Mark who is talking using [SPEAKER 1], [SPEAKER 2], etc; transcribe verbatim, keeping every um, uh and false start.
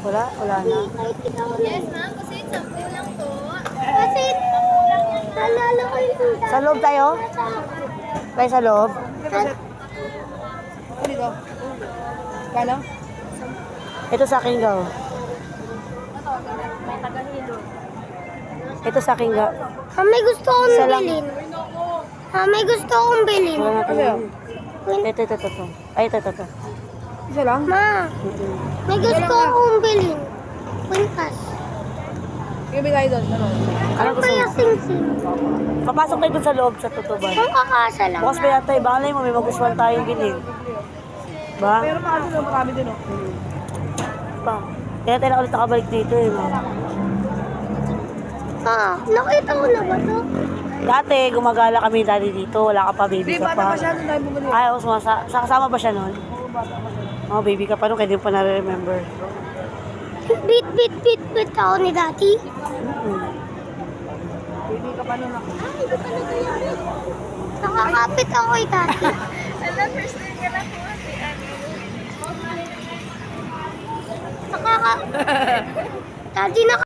[SPEAKER 1] Wala? Wala na.
[SPEAKER 2] Yes, ma'am. Kasi sample lang po. Kasi nalala ko yung dati.
[SPEAKER 1] Sa loob tayo? Tayo sa loob?
[SPEAKER 3] Dito. Kano?
[SPEAKER 1] Ito sa akin ga. oh. Ito sa akin ga.
[SPEAKER 2] Ah, may gusto akong
[SPEAKER 1] Isa lang.
[SPEAKER 2] bilhin. Ah, may gusto akong bilhin.
[SPEAKER 1] Wala na
[SPEAKER 3] Ano yun?
[SPEAKER 1] tayo. Ito, ito, ito, ito. Ay, ito, ito, ito.
[SPEAKER 3] Isa lang?
[SPEAKER 2] Ma,
[SPEAKER 1] Mm-mm.
[SPEAKER 2] may gusto akong bilhin. Quintas.
[SPEAKER 3] Sige, bigay doon. Ano?
[SPEAKER 1] Ano gusto
[SPEAKER 2] Kaya
[SPEAKER 1] mo?
[SPEAKER 2] sing-sing.
[SPEAKER 1] Papasok tayo dun sa loob sa tutuban.
[SPEAKER 2] Ang kakasa lang.
[SPEAKER 1] Bukas pa yata eh. Baka na mo, may magustuhan tayong bilhin. Ba?
[SPEAKER 3] Pero pa ano, marami din oh.
[SPEAKER 1] Ba? Kaya tayo na ulit nakabalik dito eh. No?
[SPEAKER 2] Ah, nakita mo na ba to?
[SPEAKER 1] Dati, gumagala kami dati dito. Wala ka pa, baby
[SPEAKER 3] Hindi,
[SPEAKER 1] ka
[SPEAKER 3] bata
[SPEAKER 1] pa.
[SPEAKER 3] pa siya nung tayo bumili.
[SPEAKER 1] Ay, ako sumasa. Sa kasama ba siya nun? Oh, baby ka pa nun. Kaya di mo pa na-remember.
[SPEAKER 2] Bit, bit, bit, bit ako ni Daddy.
[SPEAKER 1] Mm-mm.
[SPEAKER 3] Baby ka pa nun ako.
[SPEAKER 2] Ay, iba talaga yan. Nakakapit ako kay Daddy.
[SPEAKER 4] Alam, first time ka lang po kasi ano.
[SPEAKER 2] Nakaka... Daddy, naka...